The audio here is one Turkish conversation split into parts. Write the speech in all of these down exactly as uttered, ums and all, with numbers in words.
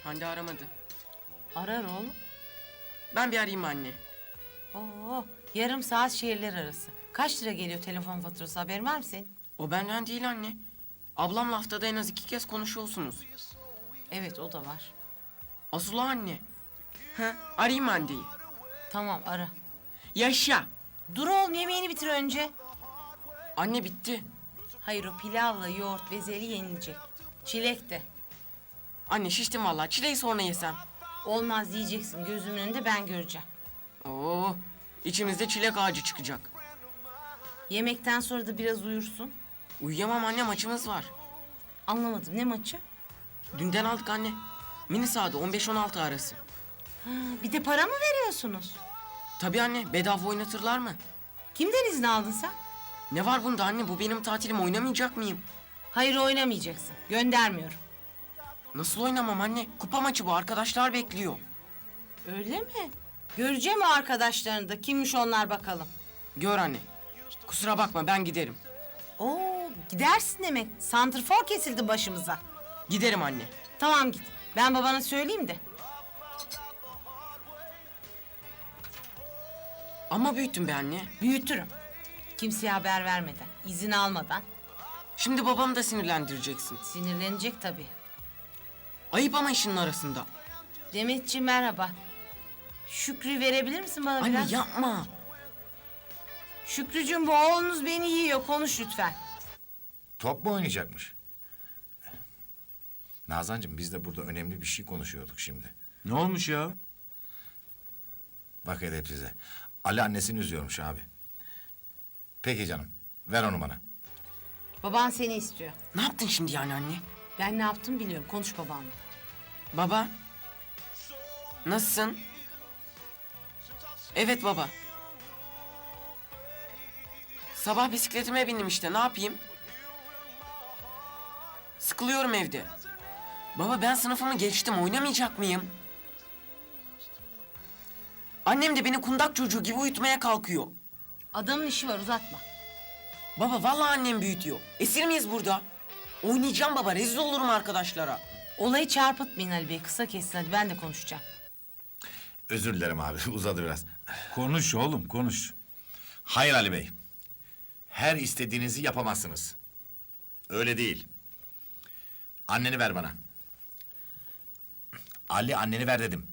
Hande aramadı. Arar oğlum. Ben bir arayayım anne. Oo, yarım saat şehirler arası. Kaç lira geliyor telefon faturası, haberin var mı senin? O benden değil anne. Ablamla haftada en az iki kez konuşuyorsunuz. Evet, o da var. Asıl o anne. He, arayayım Hande'yi. Tamam, ara. Yaşa. Dur oğlum, yemeğini bitir önce. Anne bitti. Hayır, o pilavla yoğurt bezeli yenilecek. Çilek de. Anne şiştim vallahi. Çileği sonra yesem. Olmaz diyeceksin, gözümün önünde ben göreceğim. Oo, içimizde çilek ağacı çıkacak. Yemekten sonra da biraz uyursun. Uyuyamam anne, maçımız var. Anlamadım, ne maçı? Dünden aldık anne. Mini sahada on beş on altı arası. Ha, bir de para mı veriyorsunuz? Tabii anne, bedava oynatırlar mı? Kimden izin aldın sen? Ne var bunda anne? Bu benim tatilim, oynamayacak mıyım? Hayır, oynamayacaksın. Göndermiyorum. Nasıl oynamam anne? Kupa maçı bu, arkadaşlar bekliyor. Öyle mi? Göreceğim o arkadaşlarını da. Kimmiş onlar bakalım. Gör anne. Kusura bakma, ben giderim. Oo, gidersin demek. Santrfor kesildi başımıza. Giderim anne. Tamam, git. Ben babana söyleyeyim de. Ama büyüttüm be anne. Büyütürüm. Kimseye haber vermeden, izin almadan. Şimdi babamı da sinirlendireceksin. Sinirlenecek tabii. Ayıp ama işinin arasında. Demetciğim merhaba. Şükrü verebilir misin bana Anne biraz? yapma. Şükrücüğüm, bu oğlunuz beni yiyor. Konuş lütfen. Top mu oynayacakmış? Nazancığım, biz de burada önemli bir şey konuşuyorduk şimdi. Ne olmuş ya? Bak edep size. Ali annesini üzüyormuş abi. Peki canım, ver onu bana. Baban seni istiyor. Ne yaptın şimdi yani anne? Ben ne yaptım biliyorum. Konuş babanla. Baba. Nasılsın? Evet baba. Sabah bisikletime bindim işte, ne yapayım? Sıkılıyorum evde. Baba ben sınıfımı geçtim, oynamayacak mıyım? Annem de beni kundak çocuğu gibi uyutmaya kalkıyor. Adamın işi var, uzatma. Baba vallahi annem büyütüyor. Esir miyiz burada? Oynayacağım baba, rezil olurum arkadaşlara. Olayı çarpıtmayın Ali Bey. Kısa kesin hadi, ben de konuşacağım. Özür dilerim abi, uzadı biraz. Konuş oğlum, konuş. Hayır Ali Bey. Her istediğinizi yapamazsınız. Öyle değil. Anneni ver bana. Ali, anneni ver dedim.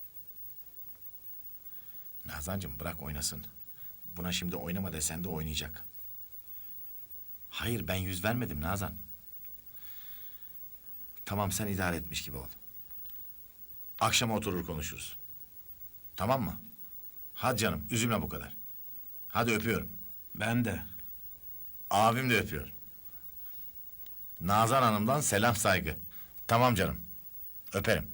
Nazancığım, bırak oynasın. Buna şimdi oynama desen de oynayacak. Hayır, ben yüz vermedim Nazan. Tamam, sen idare etmiş gibi ol. Akşama oturur konuşuruz. Tamam mı? Hadi canım, üzülme bu kadar. Hadi öpüyorum. Ben de. Abim de öpüyor. Nazan Hanım'dan selam saygı. Tamam canım. Öperim.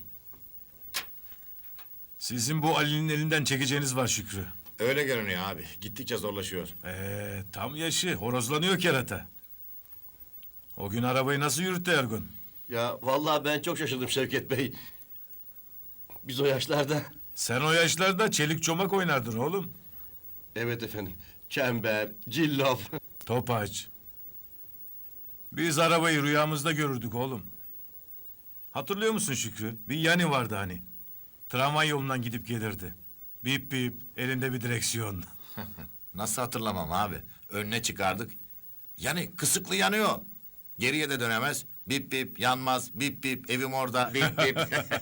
Sizin bu Ali'nin elinden çekeceğiniz var Şükrü. Öyle görünüyor abi. Gittikçe zorlaşıyor. Ee, tam yaşı, horozlanıyor kerata. O gün arabayı nasıl yürüttü Ergun? Ya vallahi ben çok şaşırdım Şevket Bey. Biz o yaşlarda... Sen o yaşlarda çelik çomak oynardın oğlum. Evet efendim. Çember, cillop. Topaç. Biz arabayı rüyamızda görürdük oğlum. Hatırlıyor musun Şükrü? Bir yani vardı hani. Tramvay yolundan gidip gelirdi. Bip bip, elinde bir direksiyon. Nasıl hatırlamam abi? Önüne çıkardık. Yani kısıklı yanıyor. Geriye de dönemez. Bip bip yanmaz. Bip bip evim orada. Bip bip.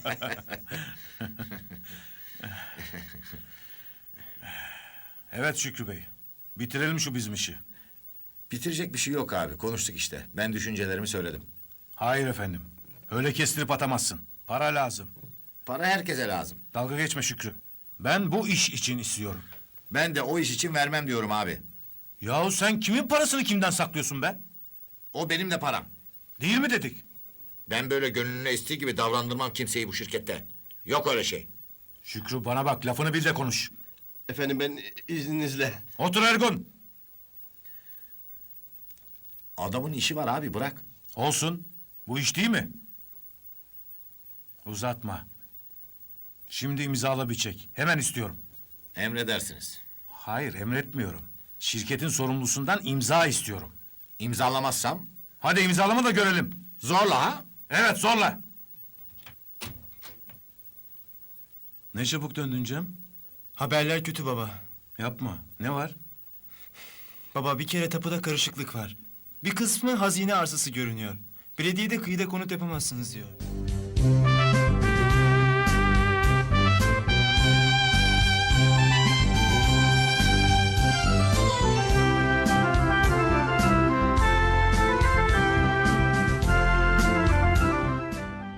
Evet Şükrü Bey. Bitirelim şu bizim işi. Bitirecek bir şey yok abi. Konuştuk işte. Ben düşüncelerimi söyledim. Hayır efendim. Öyle kestirip atamazsın. Para lazım. Para herkese lazım. Dalga geçme Şükrü. Ben bu iş için istiyorum. Ben de o iş için vermem diyorum abi. Yahu sen kimin parasını kimden saklıyorsun be? O benim de param. Değil mi dedik? Ben böyle gönlüne estiği gibi davrandırmam kimseyi bu şirkette. Yok öyle şey. Şükrü bana bak, lafını bil de konuş. Efendim ben izninizle... Otur Ergun. Adamın işi var abi, bırak. Olsun. Bu iş değil mi? Uzatma. Şimdi imzala bir çek. Hemen istiyorum. Emredersiniz. Hayır, emretmiyorum. Şirketin sorumlusundan imza istiyorum. İmzalamazsam Hadi imzalama da görelim. zorla ha? Evet, zorla. Ne çabuk döndün Cem? Haberler kötü baba. Yapma. Ne var? Baba bir kere tapuda karışıklık var. Bir kısmı hazine arsası görünüyor. Belediye de kıyıda konut yapamazsınız diyor.